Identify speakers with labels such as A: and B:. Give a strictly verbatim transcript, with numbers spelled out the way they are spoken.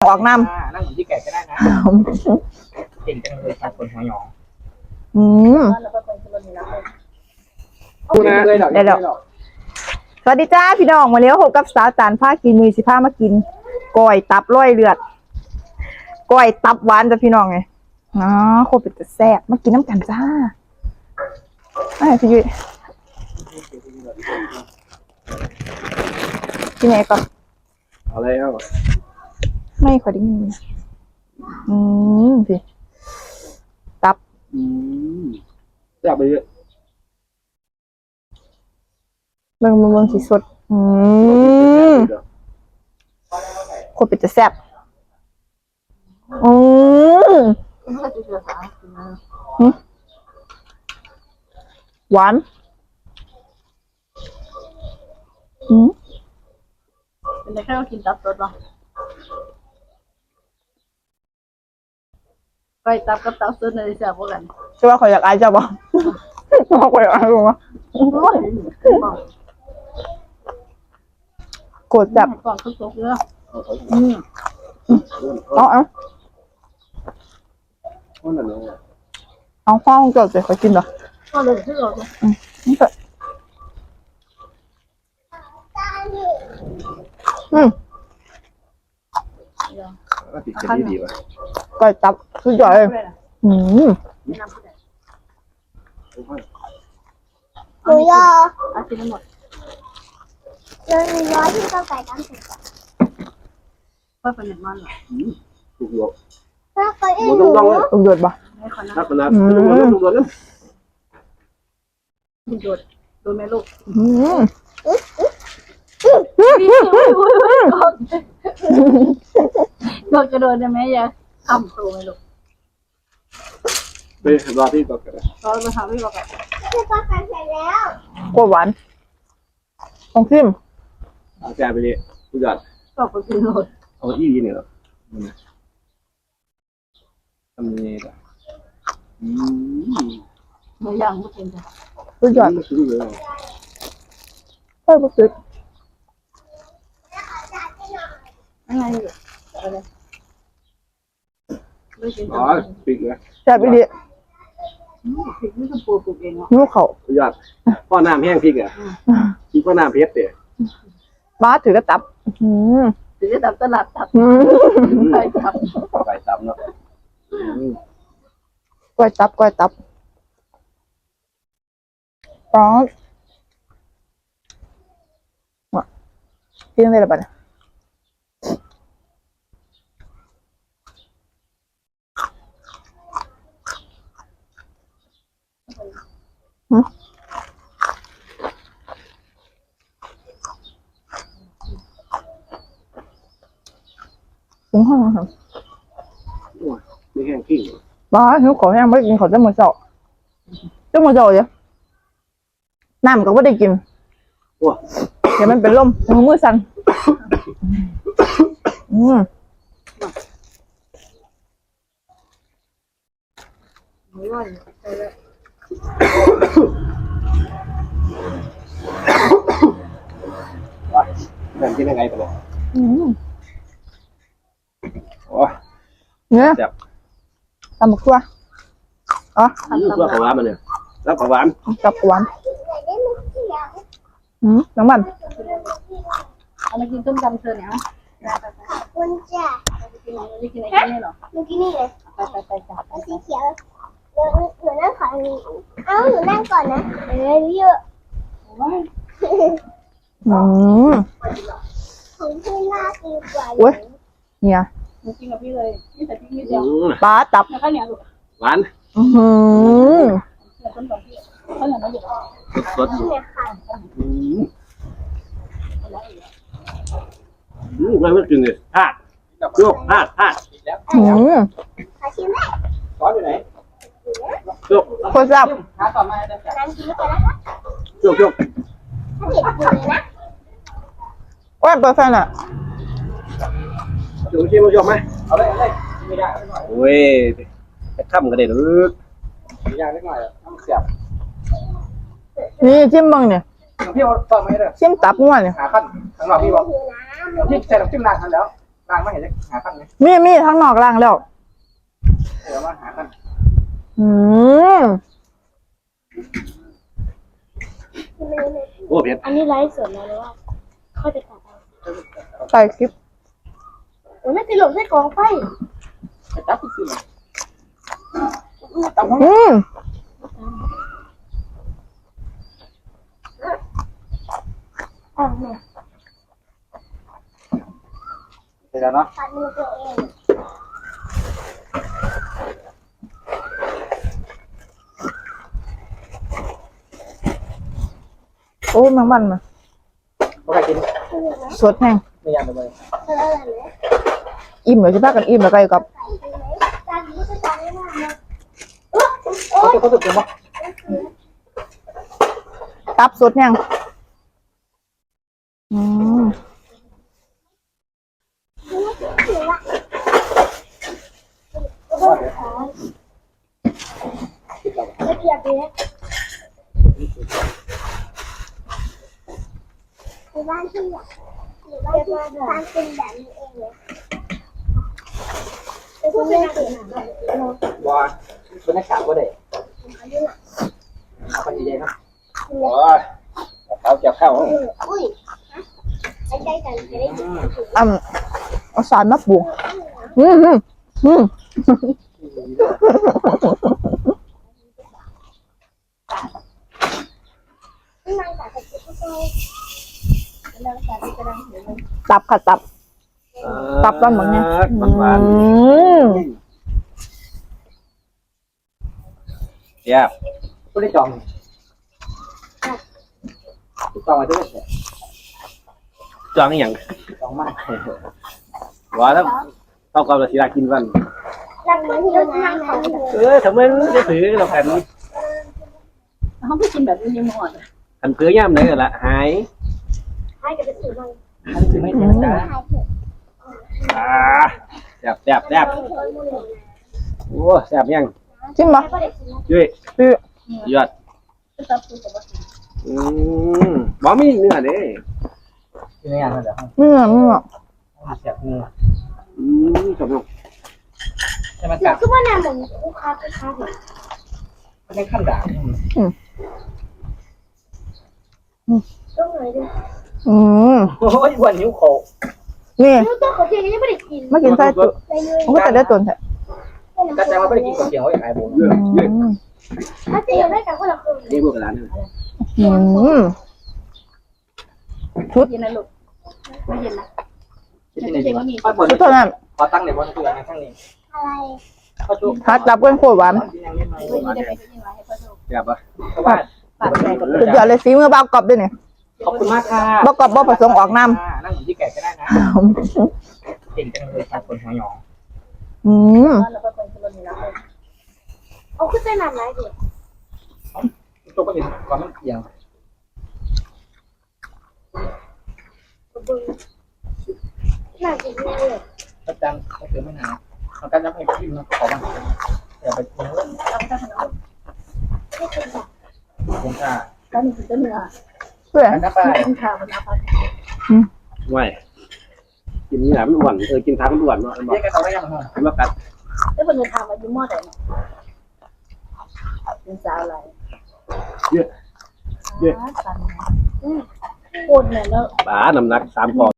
A: ออกน้ำ
B: นั่งเหมือนที่แกก็ได้นะเก่งจังเลยค่ะคนหัวหยอง
A: อืมได้ดอกสวัสดีจ้าพี่น้องมาเลี้ยวหกกับสาวจานผ้ากินมือสิผ้ามากินก้อยตับร้อยเลือดก้อยตับหวานจ้ะพี่น้องไงอ๋อโคตรเป็นจะแซ่บมากินน้ำกันจ้าไอ้พี่ยุ้ยกินไงก่อน
C: อะไรครับ
A: ไม่ขอดิ้งอืมสิตับ
C: อืมจับไปเยอะ
A: เบิ่งเบิ่งสีสดอืมโคตรเป็นจะแซ่บอืมหวานอืม
D: เป็นได้แค่เรากินตับสดป่ะไปตับกับตับสดในแซ่บกว่ากัน
A: ใช่ว่าเขาอยากอายเจ้าบ่เขาอยากอายบ่โกรธแบบ
D: ก่อนทุกทุกเรื่อง
A: อืมเอาเอาเอาข้าวเกิดจะขอกินเหรอ
D: ก็เลยที่เรา
A: อืมนี่เกิดอืม
C: ก็ติดกันดีว่ะ
A: ก๋วยจั๊บสุดยอดเลยอืม
D: หนูยออากินหมด
E: เลยหนูยอที่ต้องใส่น้ำเสร็จ
D: ก็เป็นอย่างนั้นเหรอ
C: ถูกหยก
E: ถ้าเคยเอ็น
C: หนูต้องต้อง
A: ต้องหยดป่ะ
C: นักขนาดถูกหยกถูกหยกเนี่ย
D: โดดโดนแม่ลูก
A: อืม
D: โดดกระโดดได้ไหมยายทำตัวไหมลูก
C: ไปรอที่ต่อกัน
D: รอมาทำพี่บอกกัน
E: คือปลาไข่เสร็จแล้ว
A: โคตรหวานต้องชิม
C: อาแจไปเลยทุกอย่าง
D: ก็ไปกินโดด
C: เอาอีกเนี่ยทำยังไงล่ะอืม
D: ไม่ยังไม่กินจ้ะ
A: สุดยอดใช่ปุ๊บปุ๊บ
D: อะไรอยู่อะไรไม่กิน
C: อ๋อปิดเลย
A: แซ่บอีหลี
D: พริกนี่คือปูปลูกเองเหรอ
A: นิ้วเขา
C: ทุกอย่างพ่อน้ำแห้งพริกอ่ะพริกพ่อน้ำเพชรเดี๋ย
A: บ้าถือกระตับอืม
D: ถือกระตับตลาดตับไปตับ
C: ไปตับเนาะ
A: ก๋วยตับก๋วยตับร้อนว่ะกินอะไรบ้างหืมถึงห้องครับ
C: ไม่แห้งขี้
A: บ้าหิวขอแห้งไม่กินขอจะหมดเจ้าจะหมดเจ้าเดี๋ยวน้ำก็ไม่ได้กิน
C: ว้า
A: เดี๋ยวมันเป็นลมมือมือสั่นอืม
D: ไม่ไหวไปแล้ว
C: ว้าแม่กินยังไงไปเลย
A: อืม
C: โอ้
A: เนี่ยตำบักทั่วอ๋อ
C: ตัวปลาหวานมันเนี่ยแล้วปลาหวาน
A: จับหวานอืมน้ำมัน
D: เอามากินต้มยำเธอเนี่ย
E: คุณจ้ะ
D: กินไหนไม่กินไหนกินนี่หรอ
E: เมื่อกี้นี่เลย
D: ไปไปไปจับ
E: เอาสีเขียวหนูหนูนั่งขออันนี้เอ้าหนูนั่งก่อนนะเออเยอะ
A: อืม
E: ของพี่น่ากินกว่า
A: โอ้ยเนี่ย
D: กินกับพี่เลยนี่แต่พี่นิดเดียว
A: ปลาตับ
D: แล้วก็เนี่ยลูก
C: หวาน
A: อืม
D: เนี่ยต้นกับพี่เขาเนี่ยไม่หยุด
C: สด
E: เนี่ยค่ะ
C: อืมอืมไม่ไม่กินเลยพลาดโยกพลาดพลาด
A: อืม
E: ขอชิมไหม
C: ซอสอยู่ไหนโยก
A: โคตรแซ่บ
D: หาต่อมาจะจับ
E: น้ำชิมก่อนนะคะ
C: โยกโยก
E: ถ้าเผ็ดอยู่เลยนะ
A: ว่าเปอร์เซ็นต์อ่ะ
C: โยกชิมโยกไหมเอาเลยเอาเลยไม่ได้โอ้ยจะข้ามกันได้หรือไม่ยากนิดหน่อยน้ำเสียบ
A: นี่จิ้มบังเนี่ย
C: พี่เอาต่อไหมเด้อ
A: จิ้มตับงัวเนี่ย
C: หาขั้นข้างนอกพี่บอกพี่ใส่น้ำจิ้มนานทันแล้วล่างไม่เห็นเลยหาตั้งไหม
A: มีมีทั้งนอกล่างแล้ว
C: เดี๋ยวว่าหาตั้ง
A: อืม
C: โอ้เพี้ยน
E: อันนี้ไลฟ์สดนะหรือว่าค่อยไปตัดเอา
A: ใส่คลิป
E: โอ้ยน่าจะหลบใส่กองไฟ
C: จับไปสิตั้งหัว
A: อืม
E: อ่ะเนี่ย
C: เดี๋ยวเนาะ
E: ตัดมือตัวเอง
A: โอ้แมงมันมา
C: เขาใครกิน
A: สดแห้ง
C: ไม่ยากเลย
E: เธออะไรไหม
A: อิ่มเดี๋ยวจะพากันอิ่มแล้วก็อยู่กับ
E: จานนี้ก็จานนี้มากนะ
C: เขาจะเขาจะกินปะ
A: ตับสดแห้งอืม
E: ไม่เกียบเลยในบ้านที่อ่ะในบ้านที่ทานเป็นแบบนี้เองเลยเป็นคนไม่เก่งอ่ะ
C: ว้าเป็นนักข่าวก็ได้เอาไปใหญ่ๆนะว้าเขาจับเข้า
E: อุ้ยไอ้ใจกันจะได้กิน
A: อ่ำเอาสารมาปรุงอืมอืมอืม
E: นางจากกระปุกก็นางจากกระดังเห็นไหม
A: ตับค่ะตับ ตับต้นแบบนี้
C: มันหวาน
A: อืม
C: เจี๊ยบก็ได้จองจองมาด้วยจองอย่างจองมากว่าแล้วเท่ากับเราสิได้กินวัน
E: รักมันที่เรานั่งเขา
C: เออทำไมจะถือเราแผ่นนี้
D: เขาไม่กินแบบนี้หมด
C: อันเพื่อย่ำไหนกันละหาย
E: ให้กับสื่อมัน
C: อันถือไม่เจ็บจ้า
E: ให้เถอะ
C: อ่าแซ่บแซ่บแซ่บโอ้แซ่บยัง
A: ชิมปะ
C: ยุ้ย
A: พี่
C: ยอดอืมบ่มีเนื้อเด้เนื้อมันเดี๋ยว
A: เนื้อเนื้อ
C: แซ่บเนื้ออืมจบลงใช่ไหม
E: เดี๋ยวคือว่าน้ำเหมือนคู่ค้าคู่ค้าเหมือน
C: ไม่ได้ขั้นด่าง
E: ต้องเลยดิ
A: อืม
C: โอ้ยวันนิ้วโค
A: นี่
E: ลูกเจ้าของเทียนยังไม่ได้กิน
A: มากินไส้จุ
E: ไปเลย
A: มันก็จะได้ตัวแท้
C: ก็จะมาไม่ได้กินกับเสียงว่าอย่างไรบุ๋ม
A: อืม
E: ถ้าเจียวได้กันคนละครึ่ง
C: นี่พวกร้านนี่
A: อืม
D: เย็นนะลูกไม่เย็นนะ
C: ที่ไหนดีวะป้าบน
A: ชุดเท่านั้น
C: ขอตั้งในบนตัวอย่างข้างนี้
E: อะไร
C: ข้าวชุบ
A: ฮัดตับกันโคตรหวาน
D: ไม่ได้ไปกินอะไรให้พ่อดู
C: อยากปะเพราะว่า
D: ปากแตก
A: สุดยอดเลยฝีมือเบากรอบด้วยเนี่ย
C: ขอบคุณมากค่ะ
A: บ่กรอบบ่ผสมออกน้
C: นั่งเหมือนที่แก่ก็ได้นะ
A: ำ
C: เก่งจังเลยครับคนหัวหยอง
A: อืม
D: แล้วก็คนคนนี้นะ
E: เอาขึ้นไปนานไหนดิ
C: ตัวก็เห็นก่อนมันเอียง
E: น่าจะดีเลย
C: ประจังเขาเสือไม่นานเขาการจะให้พิมพ์ขอบ้างอย่าไปกินเรื่อง
D: เราจะทำอะไร
E: ไม่เป็นแบบ
C: คุ้มค่า
D: ก็มีตัวเนื้อ
A: เพื่อ
C: อันนั้นไป
D: คุณข่าวมันเอาไป
C: ไม่กินนี่แหละมันอ้วนเออกินทางมันอ้วนเนาะเรียกกันเขาได้ยังไงมันมากัด
D: แล้วคนจะทำอายุมอดไหนเป็นสาวอะไร
C: เยอะเยอะ
D: โคตรเนี่ยแล้ว
C: ป๋าน้ำหนักสามปอนด์